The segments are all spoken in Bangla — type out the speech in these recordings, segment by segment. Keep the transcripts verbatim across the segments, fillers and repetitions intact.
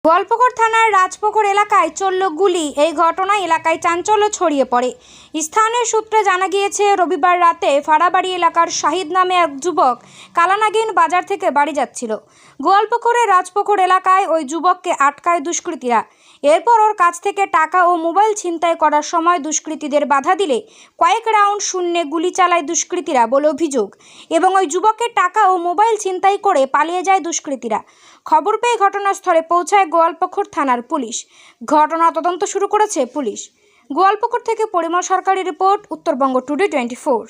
গোয়ালপুকুর থানার রাজপুকুর এলাকায় চলল গুলি। এই ঘটনায় এলাকায় চাঞ্চল্য ছড়িয়ে পড়ে। স্থানীয় সূত্রে জানা গিয়েছে, রবিবার রাতে ফাড়াবাড়ি এলাকার শাহিদ নামে এক যুবক কালানাগিন বাজার থেকে বাড়ি যাচ্ছিল। গোয়ালপুকুরের রাজপুকুর এলাকায় ওই যুবককে আটকায় দুষ্কৃতীরা। এরপর ওর কাছ থেকে টাকা ও মোবাইল ছিনতাই করার সময় দুষ্কৃতীদের বাধা দিলে কয়েক রাউন্ড শূন্যে গুলি চালায় দুষ্কৃতীরা বলে অভিযোগ, এবং ওই যুবকের টাকা ও মোবাইল ছিনতাই করে পালিয়ে যায় দুষ্কৃতীরা। খবর পেয়ে ঘটনাস্থলে পৌঁছায় গোয়ালপুকুর থানার পুলিশ। ঘটনা তদন্ত শুরু করেছে পুলিশ। গোয়ালপুকুর থেকে পরিমল সরকারি report, Uttarbanga today twenty four.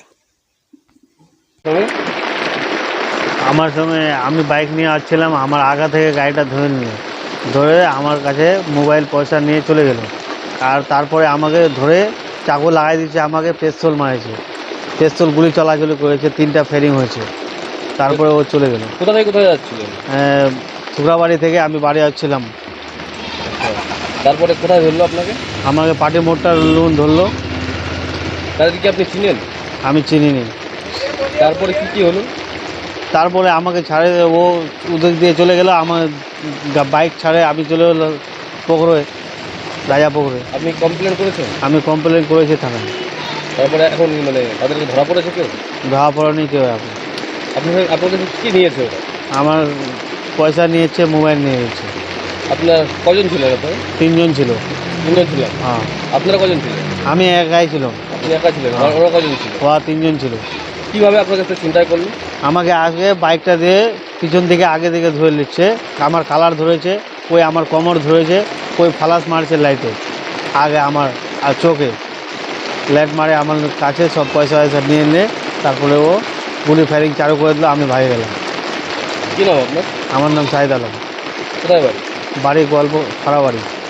আমার সঙ্গে আমি বাইক নিয়ে আসছিলাম, আমার আগা থেকে গাড়িটা ধরে নিয়ে ধরে আমার কাছে মোবাইল পয়সা নিয়ে চলে গেল। আর তারপরে আমাকে ধরে চাকু লাগাই দিয়েছে, আমাকে পেস্তল মারেছে, পেস্তল গুলি চলাচলি করেছে, তিনটা ফেরিং হয়েছে। তারপরে ও চলে গেল। কোথা থেকে কোথায় যাচ্ছিলেন? শুক্রাবাড়ি থেকে আমি বাড়ি আসছিলাম। তারপরে কোথায় ধরলো আপনাকে? আমাকে পাটি মোড়টা লোন ধরলো। তাদেরকে আপনি চিনেন? আমি চিনিনি। তারপরে কি কি হলো? তারপরে আমাকে ছাড়ে, ও ওদের দিয়ে চলে গেল, আমার বাইক ছাড়ে আমি চলে গেলো পুকুরে, রাজা পুকুরে। আপনি কমপ্লেন করেছেন? আমি কমপ্লেন করেছি থানায়। তারপরে এখন মানে তাদেরকে ধরা পড়েছে কেউ? ধরা পড়েনি কেউ। এখন আপনার আপনাদের কী নিয়েছে ওরা? আমার পয়সা নিয়েছে, মোবাইল নিয়ে নিয়েছে। আপনার কজন ছিলেন? আপনার তিনজন ছিল। তিনজন ছিলেন? হ্যাঁ। আপনারা কজন ছিলেন? আমি একাই ছিলাম। আপনি একা ছিলেন? ওরা কজন ছিল? ওরা তিনজন ছিল। কীভাবে আপনার কাছে চিন্তাই করলেন? আমাকে আগে বাইকটা দিয়ে পিছন দিকে আগে দিকে ধরে নিচ্ছে, আমার কালার ধরেছে, ওই আমার কোমর ধরেছে, ওই ফালাস মারছে লাইটে আগে আমার আর চোখে লাইট মারে আমার কাছে, সব পয়সা পয়সা নিয়ে নিয়ে তারপরে ও গুলি ফায়ারিং চালু করে দিল। আমি ভাগে গেলাম। কী নাম আপনার? আমার নাম শাহিদ আলম। কোথায় বাড়ি? বাড়ি গল্প ফাড়াবাড়ি।